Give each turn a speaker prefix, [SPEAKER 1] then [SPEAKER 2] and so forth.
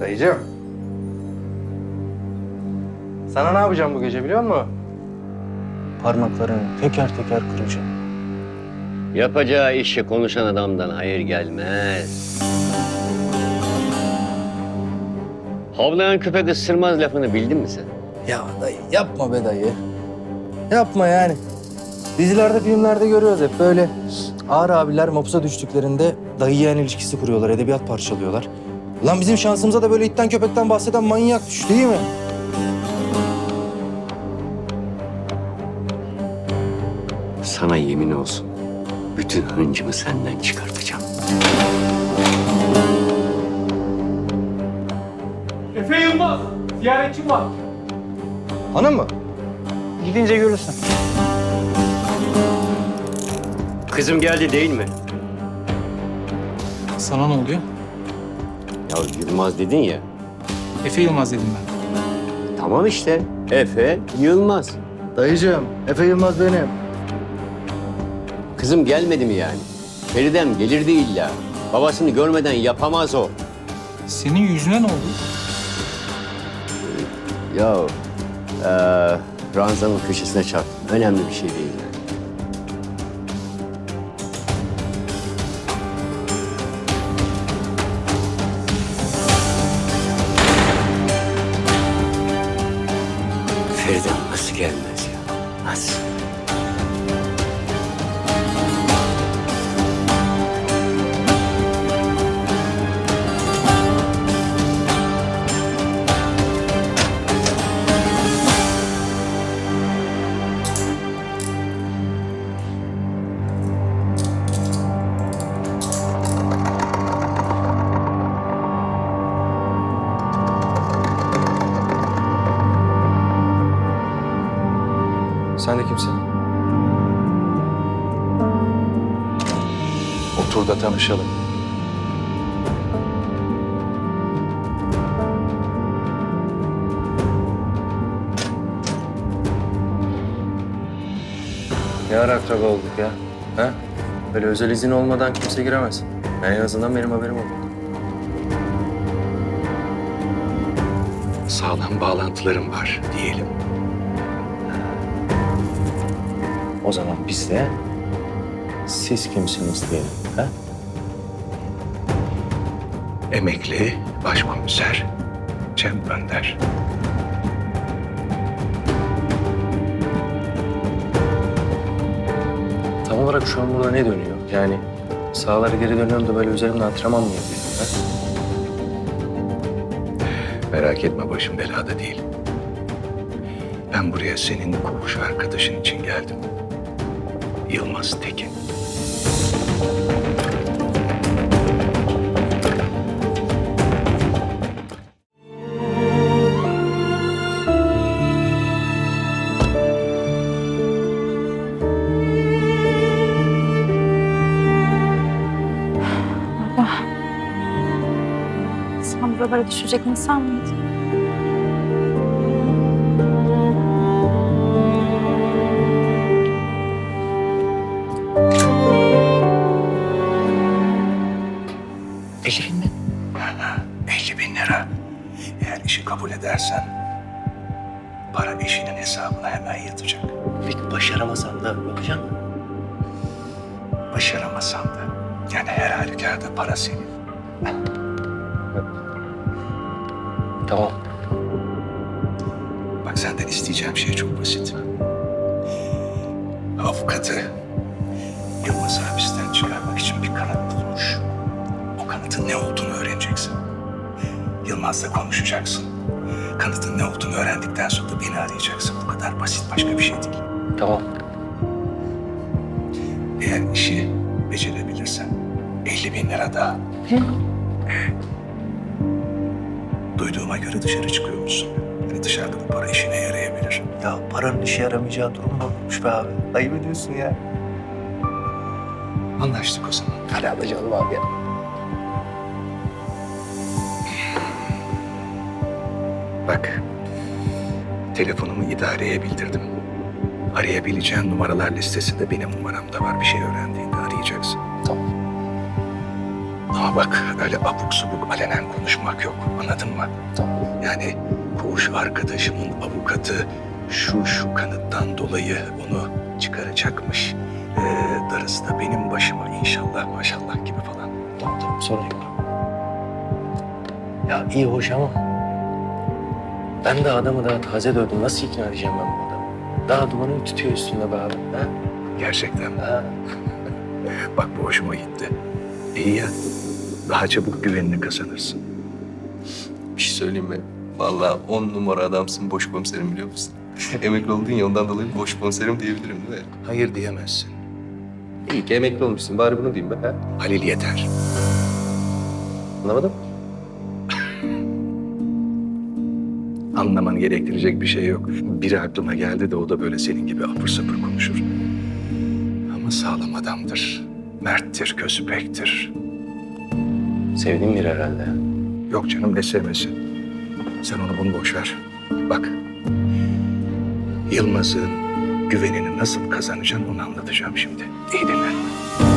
[SPEAKER 1] Dayıcığım. Sana ne yapacağım bu gece biliyor musun? Parmaklarını teker teker kıracağım.
[SPEAKER 2] Yapacağı işi konuşan adamdan hayır gelmez. Havlayan köpek ısırmaz lafını bildin mi sen?
[SPEAKER 1] Ya dayı yapma be dayı. Yapma yani. Dizilerde, filmlerde görüyoruz hep böyle ağır abiler mapusa düştüklerinde dayı yeğen ilişkisi kuruyorlar, edebiyat parçalıyorlar. Lan bizim şansımıza da böyle itten köpekten bahseden manyak düştü değil mi?
[SPEAKER 2] Sana yemin olsun. Bütün hıncımı senden çıkartacağım.
[SPEAKER 3] Efe Yılmaz, ziyaretçim var.
[SPEAKER 1] Hanım mı?
[SPEAKER 3] Gidince görürsün.
[SPEAKER 2] Kızım geldi değil mi?
[SPEAKER 3] Sana ne oluyor?
[SPEAKER 2] Ya Yılmaz dedin ya.
[SPEAKER 3] Efe Yılmaz dedim ben.
[SPEAKER 2] Tamam işte. Efe Yılmaz.
[SPEAKER 1] Dayıcığım, Efe Yılmaz benim.
[SPEAKER 2] Kızım gelmedi mi yani? Feridem gelirdi illa. Babasını görmeden yapamaz o.
[SPEAKER 3] Senin yüzüne ne oldu?
[SPEAKER 2] Ya ranzanın köşesine çarptım. Önemli bir şey değil yani. Feridem nasıl gelmez ya? Nasıl?
[SPEAKER 1] Sen de kimsin? Otur da tanışalım. Ne ara akraba olduk ya? Ha? Böyle özel izin olmadan kimse giremez. En azından benim haberim oldu.
[SPEAKER 4] Sağlam bağlantılarım var diyelim.
[SPEAKER 1] O zaman biz de siz kimsiniz diyelim. Ha?
[SPEAKER 4] Emekli başkomiser Cem Önder.
[SPEAKER 1] Tam olarak şu an burada ne dönüyor? Yani sahalara geri dönüyorum da böyle üzerimde antrenman mı yapıyorum? Ha?
[SPEAKER 4] Merak etme, başım belada değil. Ben buraya senin koğuş arkadaşın için geldim. Yılmaz Tekin.
[SPEAKER 5] Sen buralara düşecek insan mıydın?
[SPEAKER 4] $50.000 mi? 50.000 lira. Eğer işi kabul edersen para eşinin hesabına hemen yatacak.
[SPEAKER 2] Peki başaramasan da yapacaksın mı?
[SPEAKER 4] Başaramasan da yani her halükarda para senin.
[SPEAKER 1] Tamam.
[SPEAKER 4] Bak senden isteyeceğim şey çok basit. Avukatı Yılmaz hapisten çıkarmak için bir kanıt bulmuş. O kanıtın ne olduğunu öğreneceksin. Yılmaz'la konuşacaksın. Kanıtın ne olduğunu öğrendikten sonra da beni arayacaksın. Bu kadar basit, başka bir şey değil.
[SPEAKER 1] Tamam.
[SPEAKER 4] Eğer işi becerebilirsen 50.000 lira daha. Duyduğuma göre dışarı çıkıyormuşsun. Yani dışarıda bu para işine yarayabilir.
[SPEAKER 1] Ya paranın işe yaramayacağı durum mu olmuş be abi? Ayıp ediyorsun ya.
[SPEAKER 4] Anlaştık o zaman.
[SPEAKER 1] Hadi alacağım abi ya.
[SPEAKER 4] Bak, telefonumu idareye bildirdim. Arayabileceğin numaralar listesinde benim numaram da var. Bir şey öğrendiğinde arayacaksın.
[SPEAKER 1] Tamam.
[SPEAKER 4] Ama bak öyle abuk subuk alenen konuşmak yok. Anladın mı? Yani koğuş arkadaşımın avukatı şu kanıttan dolayı onu çıkaracakmış. Darısı da benim başıma inşallah maşallah gibi falan.
[SPEAKER 1] Tamam sorun yok. Ya iyi hoş ama ben de adamı daha taze dövdüm. Nasıl ikna edeceğim ben bu adamı? Daha dumanı tutuyor üstünde be abi. Ha?
[SPEAKER 4] Gerçekten.
[SPEAKER 1] Ha.
[SPEAKER 4] Bak bu hoşuma gitti. İyi ya. Daha çabuk güvenini kazanırsın.
[SPEAKER 6] Bir şey söyleyeyim mi? Vallahi 10 numara adamsın boş komiserim biliyor musun? Emekli oldun ya ondan dolayı boş komiserim diyebilirim değil mi?
[SPEAKER 4] Hayır diyemezsin.
[SPEAKER 6] İyi ki emekli olmuşsun bari bunu diyeyim be ha.
[SPEAKER 4] Halil yeter.
[SPEAKER 6] Anlamadım.
[SPEAKER 4] Anlaman gerektirecek bir şey yok. Biri aklıma geldi de o da böyle senin gibi apır sapır konuşur. Ama sağlam adamdır. Merttir, kösepektir.
[SPEAKER 1] Sevdiğim biri herhalde.
[SPEAKER 4] Yok canım ne sevmesi. Sen onu bunu boş ver. Bak. Yılmaz'ın güvenini nasıl kazanacaksın onu anlatacağım şimdi. İyi dinle.